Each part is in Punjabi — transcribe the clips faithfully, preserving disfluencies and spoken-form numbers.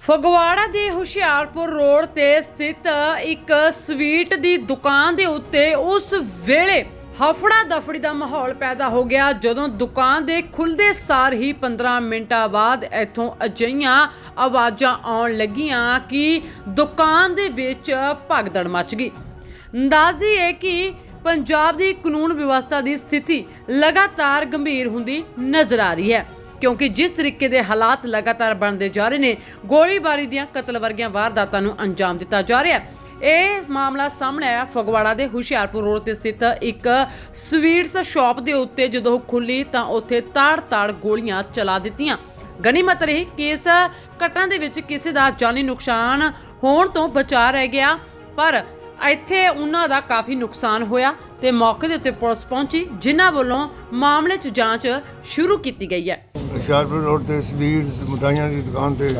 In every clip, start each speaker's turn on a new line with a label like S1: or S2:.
S1: ਫਗਵਾੜਾ ਦੇ ਹੁਸ਼ਿਆਰਪੁਰ ਰੋਡ ਤੇ ਸਥਿਤ ਇੱਕ ਸਵੀਟ ਦੀ ਦੁਕਾਨ ਦੇ ਉੱਤੇ ਉਸ ਵੇਲੇ ਹਫੜਾ ਦਫੜੀ ਦਾ ਮਾਹੌਲ ਪੈਦਾ ਹੋ ਗਿਆ ਜਦੋਂ ਦੁਕਾਨ ਦੇ ਖੁੱਲਦੇ ਸਾਰ ਹੀ ਪੰਦਰਾਂ ਮਿੰਟਾਂ ਬਾਅਦ ਇੱਥੋਂ ਅਜਿਹੀਆਂ ਆਵਾਜ਼ਾਂ ਆਉਣ ਲੱਗੀਆਂ ਕਿ ਦੁਕਾਨ ਦੇ ਵਿੱਚ ਭਗਦੜ ਮਚ ਗਈ। ਅੰਦਾਜ਼ੀ ਹੈ ਕਿ ਪੰਜਾਬ ਦੀ ਕਾਨੂੰਨ ਵਿਵਸਥਾ ਦੀ ਸਥਿਤੀ ਲਗਾਤਾਰ ਗੰਭੀਰ ਹੁੰਦੀ ਨਜ਼ਰ ਆ ਰਹੀ ਹੈ क्योंकि जिस तरीके के हालात लगातार बनते जा रहे हैं, गोलीबारी दियां कतल वर्गियां वारदातां नूं अंजाम दिता जा रहा है। यह मामला सामने आया फगवाड़ा के हुशियारपुर रोड ते स्थित एक स्वीट्स शॉप के उत्ते जदों खुली तो उत्थे ताड़ ताड़ गोलियां चला दित्तियां। गनीमत रही कि इस घटना दे विच किसी दा जानी नुकसान होण तो बचा रह गया, पर ਇੱਥੇ ਉਹਨਾਂ ਦਾ ਕਾਫੀ ਨੁਕਸਾਨ ਹੋਇਆ ਤੇ ਮੌਕੇ ਦੇ ਉੱਤੇ ਪੁਲਿਸ ਪਹੁੰਚੀ, ਜਿਨ੍ਹਾਂ ਵੱਲੋਂ ਮਾਮਲੇ 'ਚ ਜਾਂਚ ਸ਼ੁਰੂ ਕੀਤੀ ਗਈ ਹੈ।
S2: ਹੁਸ਼ਿਆਰਪੁਰ ਰੋਡ ਤੇ ਸਦੀਰ ਮਠਾਈਆਂ ਦੀ ਦੁਕਾਨ ਤੇ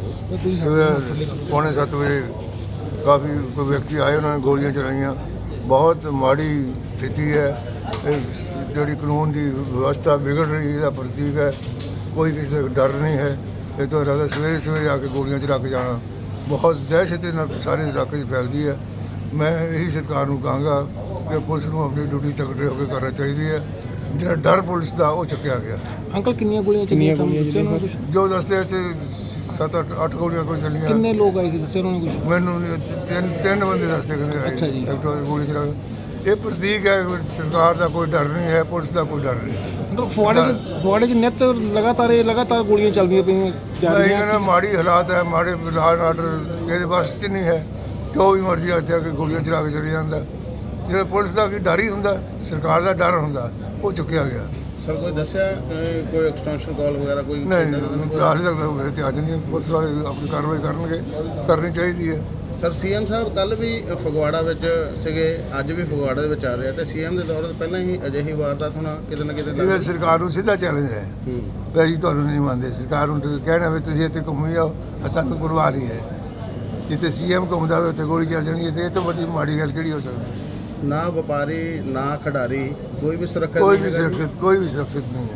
S2: ਸਵੇਰ ਪੌਣੇ ਸੱਤ ਵਜੇ ਕਾਫੀ ਕੋਈ ਵਿਅਕਤੀ ਆਏ, ਉਹਨਾਂ ਨੇ ਗੋਲੀਆਂ ਚਲਾਈਆਂ। ਬਹੁਤ ਮਾੜੀ ਸਥਿਤੀ ਹੈ, ਇਹ ਜਿਹੜੀ ਕਾਨੂੰਨ ਦੀ ਵਿਵਸਥਾ ਵਿਗੜ ਰਹੀ ਇਹਦਾ ਪ੍ਰਤੀਕ ਹੈ। ਕੋਈ ਕਿਸੇ ਦਾ ਡਰ ਨਹੀਂ ਹੈ। ਇਹ ਤੋਂ ਇਲਾਵਾ ਸਵੇਰੇ ਸਵੇਰੇ ਆ ਕੇ ਗੋਲੀਆਂ ਚਲਾ ਕੇ ਜਾਣਾ ਬਹੁਤ ਦਹਿਸ਼ਤ ਨਾਲ ਸਾਰੇ ਇਲਾਕੇ 'ਚ ਫੈਲਦੀ ਹੈ। ਮੈਂ ਇਹੀ ਸਰਕਾਰ ਨੂੰ ਕਹਾਂਗਾ ਕਿ ਪੁਲਿਸ ਨੂੰ ਆਪਣੀ ਡਿਊਟੀ ਤਕੜੇ ਹੋ ਕੇ ਕਰਨਾ ਚਾਹੀਦੀ ਹੈ। ਜਿਹੜਾ ਡਰ ਪੁਲਿਸ ਦਾ ਉਹ ਚੁੱਕਿਆ ਗਿਆ।
S3: ਅੰਕਲ ਕਿੰਨੀਆਂ ਗੋਲੀਆਂ ਚੱਲੀਆਂ ਸਾਨੂੰ
S2: ਜੋ ਦੱਸਦੇ ਇੱਥੇ ਸੱਤ ਅੱਠ ਅੱਠ ਗੋਲੀਆਂ ਕੋਈ ਚੱਲੀਆਂ।
S3: ਕਿੰਨੇ ਲੋਕ ਆਏ ਸੀ ਦੱਸਿਆ ਉਹਨਾਂ ਨੇ ਕੁਝ?
S2: ਮੈਨੂੰ ਨਹੀਂ, ਤਿੰਨ ਤਿੰਨ ਬੰਦੇ ਦੱਸਦੇ ਕਹਿੰਦੇ ਆਏ।
S3: ਅੱਛਾ ਜੀ।
S2: ਐਕਟਿਵਾ ਦੀ ਗੋਲੀ ਚਲਾ ਕੇ। ਇਹ ਪ੍ਰਤੀਕ ਹੈ ਸਰਕਾਰ ਦਾ ਕੋਈ ਡਰ ਨਹੀਂ ਹੈ, ਪੁਲਿਸ ਦਾ ਕੋਈ ਡਰ ਨਹੀਂ।
S3: ਮਤਲਬ ਫੁਆੜੇ ਚ ਫੁਆੜੇ ਚ ਨਿੱਤ ਲਗਾਤਾਰ ਇਹ ਲਗਾਤਾਰ ਗੋਲੀਆਂ ਚੱਲਦੀਆਂ ਪਈਆਂ ਜਾ
S2: ਮੈਂ ਇਹ
S3: ਰਹੀਆਂ।
S2: ਕਹਿੰਦਾ ਮਾੜੀ ਹਾਲਾਤ ਹੈ, ਮਾੜੇ ਲਾਅ ਆਰਡਰ ਇਹਦੇ ਬਸ 'ਚ ਨਹੀਂ ਹੈ। ਜੋ ਵੀ ਮਰਜ਼ੀ ਇੱਥੇ ਆ ਕੇ ਗੋਲੀਆਂ ਚਲਾ ਕੇ ਚਲੇ ਜਾਂਦਾ। ਜਿਹੜਾ ਪੁਲਿਸ ਦਾ ਕੀ ਡਰ ਹੀ ਹੁੰਦਾ, ਸਰਕਾਰ ਦਾ ਡਰ ਹੁੰਦਾ, ਉਹ ਚੁੱਕਿਆ ਗਿਆ।
S4: ਸਰ ਕੋਈ ਦੱਸਿਆ ਅਹ, ਕੋਈ ਐਕਸਟੈਂਸ਼ਨ ਕਾਲ ਵਗੈਰਾ ਕੋਈ
S2: ਨਹੀਂ ਹਾਲੇ ਤੱਕ ਤਾਂ ਮੇਰੇ ਧਿਆਨ 'ਚ ਨਹੀਂ। ਪੁਲਿਸ ਵਾਲੇ ਆਪਣੀ ਕਾਰਵਾਈ ਕਰਨਗੇ, ਕਰਨੀ ਚਾਹੀਦੀ ਹੈ।
S4: ਸਰ ਸੀਐਮ ਸਾਹਿਬ ਕੱਲ ਵੀ ਫਗਵਾੜਾ ਵਿੱਚ ਸੀਗੇ, ਅੱਜ ਵੀ ਫਗਵਾੜਾ ਦੇ ਵਿੱਚ ਆ ਰਹੇ ਆ ਤੇ ਸੀਐਮ ਦੇ ਦੌਰ ਤੋਂ ਪਹਿਲਾਂ ਹੀ ਅਜਿਹੀ ਵਾਰਦਾਤ ਹੋਣਾ ਕਿਤੇ ਨਾ ਕਿਤੇ
S2: ਇਹਦਾ ਸਰਕਾਰ ਨੂੰ ਸਿੱਧਾ ਚੈਲੰਜ ਹੈ
S4: ਹੂੰ।
S2: ਵੀ ਅਸੀਂ ਤੁਹਾਨੂੰ ਨਹੀਂ ਮੰਨਦੇ। ਸਰਕਾਰ ਨੂੰ ਕਹਿਣਾ ਵੀ ਤੁਸੀਂ ਇੱਥੇ ਘੁੰਮੀ ਜਾਓ, ਸਾਨੂੰ ਪਰਵਾਹ ਨਹੀਂ ਹੈ। ਜਿੱਥੇ ਸੀਐਮ ਘੁੰਮਦਾ ਹੋਵੇ ਉੱਥੇ ਗੋਲੀ ਚੱਲ ਜਾਣੀ ਹੈ, ਤੇ ਇਹ ਤੋਂ ਵੱਡੀ ਮਾੜੀ ਗੱਲ ਕਿਹੜੀ ਹੋ ਸਕਦੀ ਹੈ?
S4: ਨਾ ਵਪਾਰੀ ਨਾ ਖਿਡਾਰੀ ਕੋਈ ਵੀ ਸੁਰੱਖਿਅਤ
S2: ਕੋਈ
S4: ਨਹੀਂ
S2: ਵੀ
S4: ਹੈਗਾ।
S2: ਸੁਰੱਖਿਅਤ ਕੋਈ ਵੀ ਸੁਰੱਖਿਅਤ ਨਹੀਂ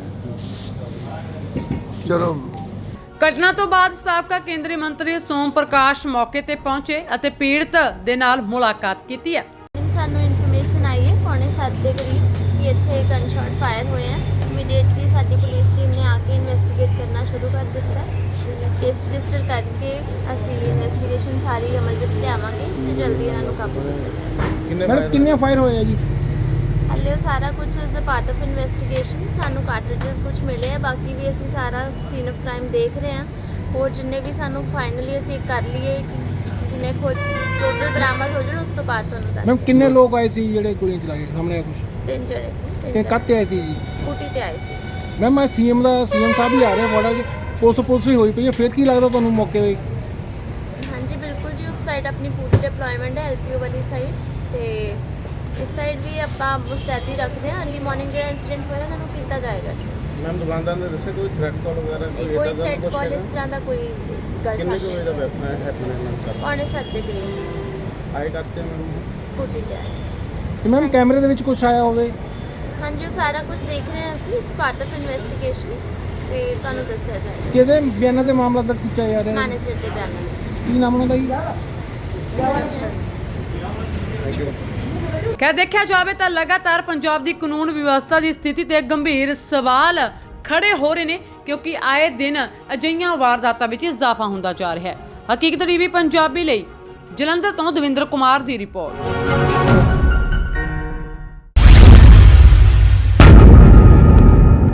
S2: ਹੈ। ਚਲੋ
S1: ਘਟਨਾ ਤੋਂ ਬਾਅਦ ਸਾਬਕਾ ਕੇਂਦਰੀ ਮੰਤਰੀ ਸੋਮ ਪ੍ਰਕਾਸ਼ ਮੌਕੇ ਤੇ ਪਹੁੰਚੇ ਅਤੇ ਪੀੜਤ ਦੇ ਨਾਲ ਮੁਲਾਕਾਤ ਕੀਤੀ ਹੈ।
S5: ਸਾਨੂੰ ਇਨਫੋਰਮੇਸ਼ਨ ਆਈ ਹੈ ਪੌਣੇ ਸੱਤ ਦੇ ਕਰੀਬ ਕਿ ਇੱਥੇ ਗਨ ਸ਼ਾਟ ਫਾਇਰ ਹੋਏ ਹੈ। ਇਮੀਡੀਏਟਲੀ ਸਾਡੀ ਪੁਲਿਸ ਟੀਮ ਨੇ ਆ ਕੇ ਇਨਵੈਸਟੀਗੇਟ ਕਰਨਾ ਸ਼ੁਰੂ ਕਰ ਦਿੱਤਾ। ਕੇਸ ਰਜਿਸਟਰ ਕਰਕੇ ਅਸੀਂ ਇਨਵੈਸਟੀਗੇਸ਼ਨ ਸਾਰੀ ਅਮਲ ਵਿੱਚ ਲਿਆਵਾਂਗੇ ਤੇ ਜਲਦੀ ਇਹਨਾਂ ਨੂੰ ਕਾਬੂ ਕੀਤਾ ਜਾਏਗਾ।
S4: ਕਿੰਨੇ
S3: ਮੈਡਮ ਕਿੰਨੇ ਫਾਇਰ ਹੋਏ ਆ ਜੀ?
S5: ਹਾਲੇ ਉਹ ਸਾਰਾ ਕੁਝ is a part of investigation. ਸਾਨੂੰ ਕਾਰਟ੍ਰਿਜਸ ਕੁਝ ਮਿਲੇ ਆ, ਬਾਕੀ ਵੀ ਅਸੀਂ ਸਾਰਾ ਸੀਨ ਆਫ ਕ੍ਰਾਈਮ ਦੇਖ ਰਹੇ ਹਾਂ। ਹੋਰ ਜਿੰਨੇ ਵੀ ਸਾਨੂੰ ਫਾਈਨਲੀ ਅਸੀਂ ਕਰ ਲਈਏ ਜਿੰਨੇ ਖੋਜ ਟੋਟਲ ਬਰਾਮਦ ਹੋ ਜਾਣ ਉਸ ਤੋਂ ਬਾਅਦ ਤੁਹਾਨੂੰ ਦੱਸ।
S3: ਮੈਮ ਕਿੰਨੇ ਲੋਕ ਆਏ ਸੀ ਜਿਹੜੇ ਗੋਲੀਆਂ ਚਲਾ ਕੇ ਸਾਹਮਣੇ ਆ ਕੁਝ?
S5: ਤਿੰਨ ਜਣੇ ਸੀ।
S3: ਤੇ ਕੱਤੇ ਆਏ ਸੀ ਜੀ?
S5: ਸਕੂਟੀ ਤੇ ਆਏ ਸੀ।
S3: ਮੈਮ ਮੈਂ ਸੀਐਮ ਦਾ ਸੀਐਮ ਸਾਹਿਬ ਵੀ ਆ ਰਹੇ ਫਗਵਾੜਾ ਚ, ਪੁਲਿਸ ਪੁਲਿਸ ਹੀ ਹੋਈ ਪਈ ਹੈ। ਫਿਰ ਕੀ ਲੱਗਦਾ ਤੁਹਾਨੂੰ ਮੌਕੇ ਤੇ?
S5: ਹਾਂਜੀ ਬਿਲਕੁਲ ਜੀ, ਉਸ ਸਾਈਡ ਆਪਣੀ ਪੂਰੀ ਡਿਪਲੋਇਮੈਂਟ ਹੈ ਐਲਪੀਓ ਵਾਲੀ ਸਾਈਡ, ਤੇ ਇਸ ਸਾਈਡ ਵੀ ਆਪਾਂ ਮੁਸਤੈਦੀ ਰੱਖਦੇ ਹਾਂ। ਅਰਲੀ ਮਾਰਨਿੰਗ ਜਿਹੜਾ ਇਨਸੀਡੈਂਟ ਹੋਇਆ ਉਹਨਾਂ ਨੂੰ ਕੀਤਾ ਜਾਏਗਾ।
S4: ਮੈਮ ਦੁਕਾਨਦਾਰ ਨੇ ਦੱਸਿਆ ਕੋਈ ਥ੍ਰੈਟ ਕਾਲ ਵਗੈਰਾ
S5: ਨਹੀਂ, ਕੋਈ ਥ੍ਰੈਟ ਕਾਲ ਇਸ ਤਰ੍ਹਾਂ ਦਾ ਕੋਈ ਗੱਲ
S4: ਕਿੰਨੇ ਕੁ ਵਜੇ ਦਾ
S5: ਸਾਹਮਣੇ
S4: ਵੈਪਨ ਹੈ?
S5: ਪੌਣੇ ਸੱਤ ਦੇ ਕਰੀਬ
S4: ਆਏ ਕਰਤੇ ਮੈਮ
S5: ਸਕੂਟੀ ਤੇ ਆਏ।
S3: ਤੇ ਮੈਮ ਕੈਮਰੇ ਦੇ ਵਿੱਚ ਕੁਝ ਆਇਆ ਹੋਵੇ?
S5: ਹਾਂਜੀ ਉਹ ਸਾਰਾ ਕੁਝ ਦੇਖ ਰਹੇ ਹਾਂ ਅਸੀਂ। ਇਟਸ ਪਾਰਟ ਆਫ ਇਨਵੈਸਟੀਗੇਸ਼ਨ ਤੇ ਤੁਹਾਨੂੰ ਦੱਸਿਆ ਜਾਏਗਾ।
S3: ਕਿਹਦੇ ਬਿਆਨਾਂ ਤੇ ਮਾਮਲਾ ਦਰਜ ਕੀਤਾ ਜਾ ਰਿਹਾ ਹੈ?
S5: ਮੈਨੇਜਰ ਦੇ ਬਿਆਨਾਂ ਵਿੱਚ।
S3: ਕੀ ਨਾਮ ਉਹਨਾਂ ਦਾ ਜੀ?
S1: ਖੈਰ ਦੇਖਿਆ ਜਾਵੇ ਤਾਂ ਲਗਾਤਾਰ ਪੰਜਾਬ ਦੀ ਕਾਨੂੰਨ ਵਿਵਸਥਾ ਦੀ ਸਥਿਤੀ ਤੇ ਗੰਭੀਰ ਸਵਾਲ ਖੜੇ ਹੋ ਰਹੇ ਨੇ, ਕਿਉਂਕਿ ਆਏ ਦਿਨ ਅਜਿਹੀਆਂ ਵਾਰਦਾਤਾਂ ਵਿੱਚ ਇਜ਼ਾਫਾ ਹੁੰਦਾ ਜਾ ਰਿਹਾ ਹੈ। ਹਕੀਕਤ ਟੀਵੀ ਪੰਜਾਬੀ ਲਈ ਜਲੰਧਰ ਤੋਂ ਦਵਿੰਦਰ ਕੁਮਾਰ ਦੀ ਰਿਪੋਰਟ।